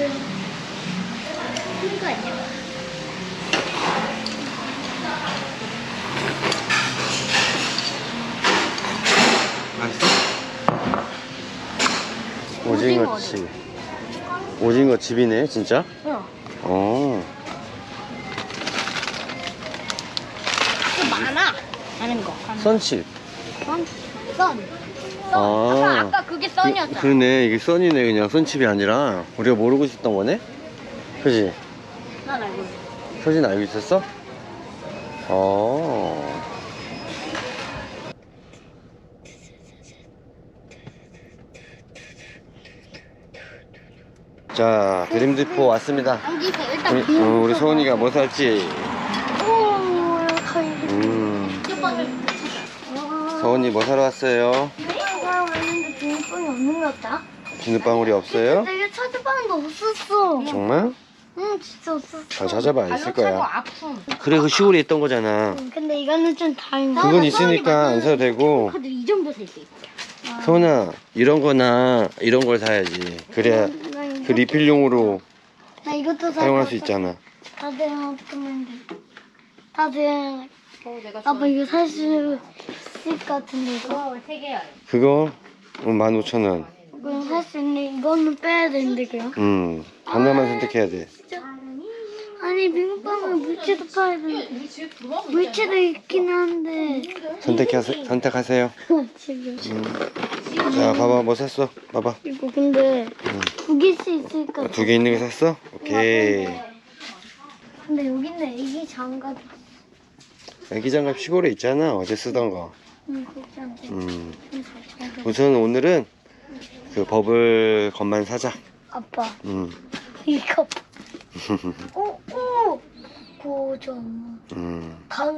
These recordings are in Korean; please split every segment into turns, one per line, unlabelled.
이거 아니야?
맛있어? 오징어칩. 오징어 칩이네, 진짜?
응.
어.
또 많아. 많은 거.
선칩.
선.
아.
아까 그게 선이었잖아.
그러네, 이게 선이네. 그냥 선칩이 아니라 우리가 모르고 있었던 거네? 그지?
난 알고 있어.
서진 알고 있었어? 어. 자, 드림디포 왔습니다.
당기세요. 일단
우리 소은이가 뭐 살지?
오, 거의.
서은이 뭐 사러 왔어요?
내가 왔는데 비눗방이 없는 것 같다.
비눗방울이 없어요?
내가 찾아봤는데 없었어.
정말?
응, 진짜 없었어.
잘 찾아봐, 있을 거야.
아픔.
그래, 그 시골에 있던 거잖아.
근데 이거는 좀 다른 거.
그건 있으니까 안 사도 되고.
카드 이 정도 살 수 있어.
서은아, 이런 거나 이런 걸 사야지. 그래야 그 리필용으로
나 이것도
사용할 수 있잖아.
다들 어떡하면 돼. 다들 아빠 이거 살 수 있을 것 같은데 이거. 세 개야.
그거 15,000원.
이거 살 수 있는데 이거는 빼야 되는데 그냥.
하나만 선택해야 돼.
아니 비눗방울 물체도 팔아야 돼. 물체도 있긴 한데.
선택하세요.
지금.
자, 봐봐, 뭐 샀어? 봐봐.
이거 근데 두 개씩 있으니까.
2개 있는 거 샀어? 오케이.
근데 여기 있네 애기 장갑.
애기 장갑 시골에 있잖아. 어제 쓰던 거.
응, 그렇지 않대.
우선 오늘은 그 버블 것만 사자.
아빠
음.
이거. 오, 오. 고정. 강.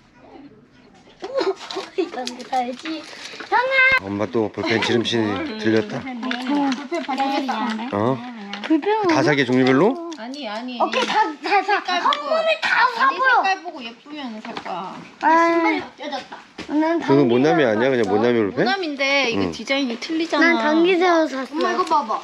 오, 이런 거 사야지. 형아.
엄마 또 볼펜 지름신이 들렸다. 어?
불평.
다 사게 종류별로?
아니
오케이 다 사. 한 번에 다
아니
사고요.
색깔 보고 예쁘면 살 거야.
아, 쪄졌다. 난
그거 모나미 아니야? 그냥 모나미 볼펜?
모남인데 이게
응.
디자인이 틀리잖아.
난 당기새우 샀어.
엄마 이거 봐봐.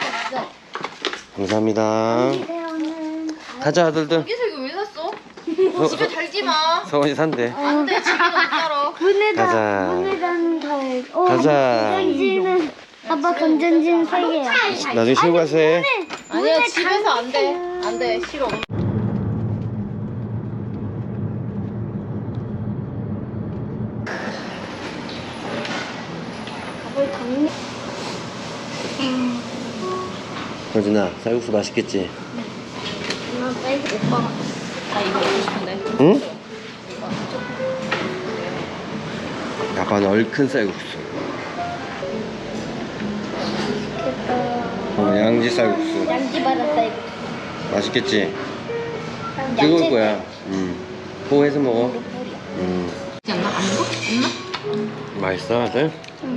감사합니다.
당기새우는
가자, 아들들.
여기서 이거 왜 샀어?
서-
집에 달지 마.
서원이 산대.
안돼 집에는 못 살아.
가자.
문에다는 다.
가자.
건전지는 아빠 건전지는 3개야.
나중에 시골 가서 해.
아니야 집에서 안 돼. 안 돼. 싫어.
밥을 당기.
서진아, 쌀국수 맛있겠지?
나 사이즈 오빠가.
나 이거 먹고 싶은데.
응? 아빠는 얼큰 쌀국수. 양지 쌀국수.
양지바다 사이즈.
맛있겠지? 뜨거울 거야. 호해서 먹어.
있지 않나? 안 먹어? 없나?
맛있어, 아들?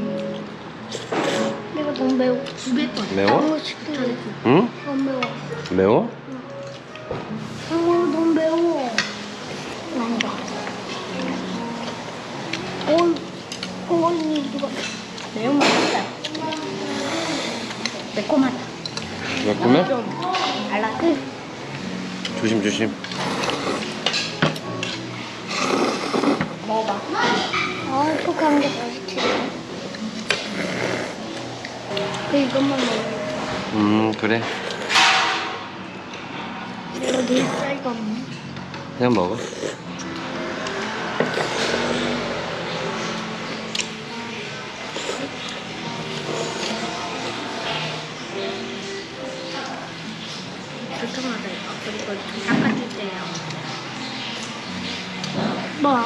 이거 너무 매워.
매워?
너무 시끄러워.
응?
너무 매워.
매워?
너무 매워. 난다. 언니 누가 매운맛 있다. 매콤하다.
매콤해?
달라.
조심, 조심.
먹어봐. 아, 톡한 게 맛있지. 이것만 먹어.
그래.
내가 내 쌀가 없네.
그냥 먹어.
불통하다 이거. 그리고 닦아줄 때요. 뭐?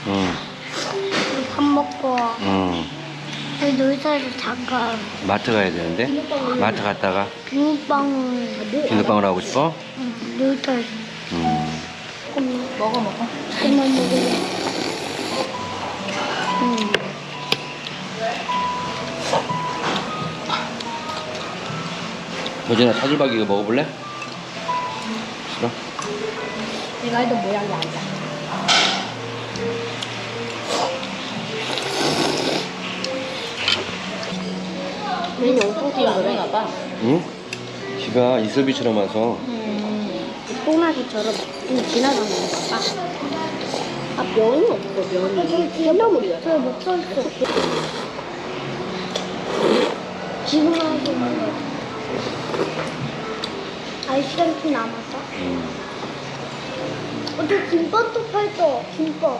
밥 먹고 여기 놀이터에서 잠깐
마트 가야 되는데? 마트 갔다가
비눗방울
하고 싶어?
놀이터에서
먹어.
그만 먹을래.
서진아, 차돌박이 이거 먹어볼래? 싫어?
내가 해도 모양이 아니야. 얘는 엄청 튀는 거네.
봐.
응? 비가 이슬비처럼 와서
뽕나기처럼 좀 지나가는 건가 봐. 아, 면이 없어, 면이. 콩나물이야.
저 못살어. 지금 하고 있는 거. 시간 좀 남았어? 저 김밥도 팔죠. 김밥.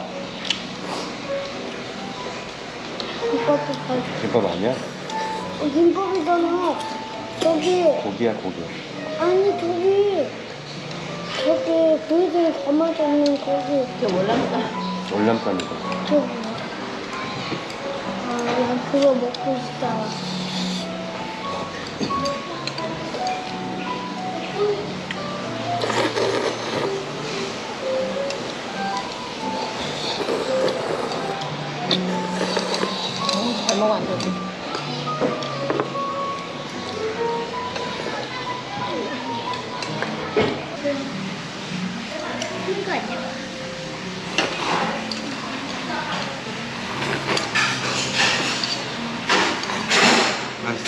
김밥도 팔죠.
김밥 아니야?
김밥이잖아. 저기.
고기야 고기.
아니 저기 고기들 담아져 있는 거기.
이게 월남쌈.
월남쌈이다.
저기. 난 그거 먹고 싶다.
잘 먹어, 안 되지.
이거 아니야?
맛있어?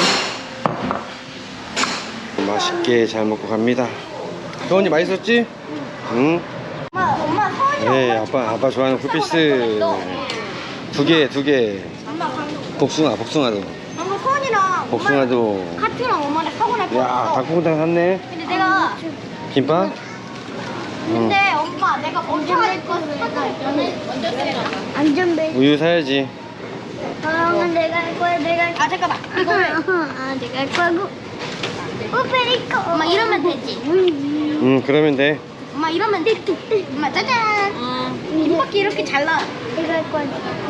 맛있게 잘 먹고 갑니다. 서원이 맛있었지? 응.
엄마 서원이
네, 아빠 좋아하는 쿨피스 두 개. 복숭아도.
엄마 서원이랑
복숭아도.
카트랑 엄마랑 사고 날
야,
뻔했어.
닭볶음탕 샀네.
근데 내가
김밥?
근데 엄마 내가 먼저 할 거는
먼저 때려봐.
안전벨트.
우유 사야지.
그러면 내가 할 거야. 내가 할 거야. 잠깐만. 이거를. 내가 할 거고. 오페리코. 엄마 이러면 되지.
그러면 돼.
엄마 이러면 돼. 엄마 짜잔. 김밥기 이렇게 잘라. 내가 할 거야.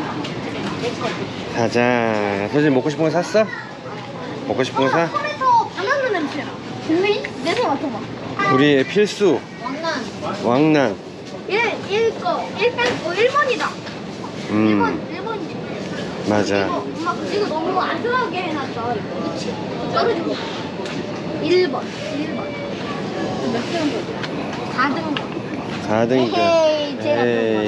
가자. 서진 먹고 싶은 거 샀어? 먹고 싶은 거 사?
손에서 바나나 냄새 나. 분명히 냄새 맡아봐.
우리의 필수 왕난.
1번이다. 1번이지.
맞아.
엄마 이거 너무 안전하게 해놨어. 이거. 그치? 떨어지고. 1번. 몇 등급이야? 4등급.
4등이죠.
에헤이, 제가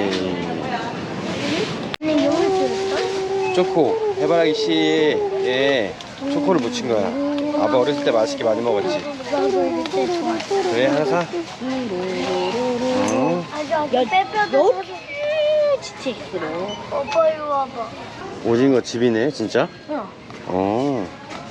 근데 용을 들었어?
초코. 해바라기 씨에 초코를 묻힌 거야. 아빠 어렸을 때 맛있게 많이 먹었지.
나도 이때 좋아했어.
그래, 하나 사.
아주 빼빼도
치치스로.
오빠 이리 와봐.
오징어 집이네, 진짜?
응.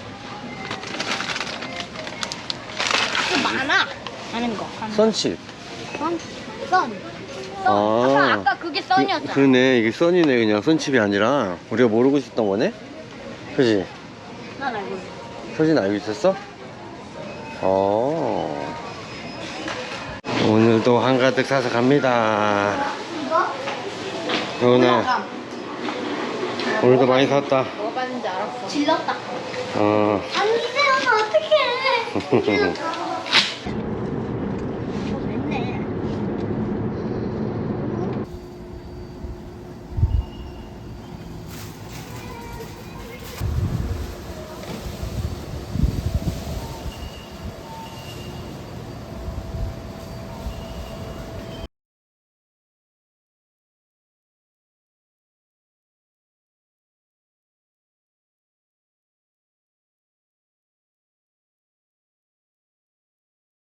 좀 많아. 하는 거.
선칩.
썬. 아까 그게 썬이었잖아.
그러네, 이게 선이네. 그냥 선칩이 아니라 우리가 모르고 있었던 거네? 그지?
난 알고 있어.
서진 알고 있었어? 오늘도 한가득 사서 갑니다. 요나 오늘도 많이 샀다.
뭐가 봤는지 알았어.
질렀다.
어.
안 되면 어떡해. 질렀다.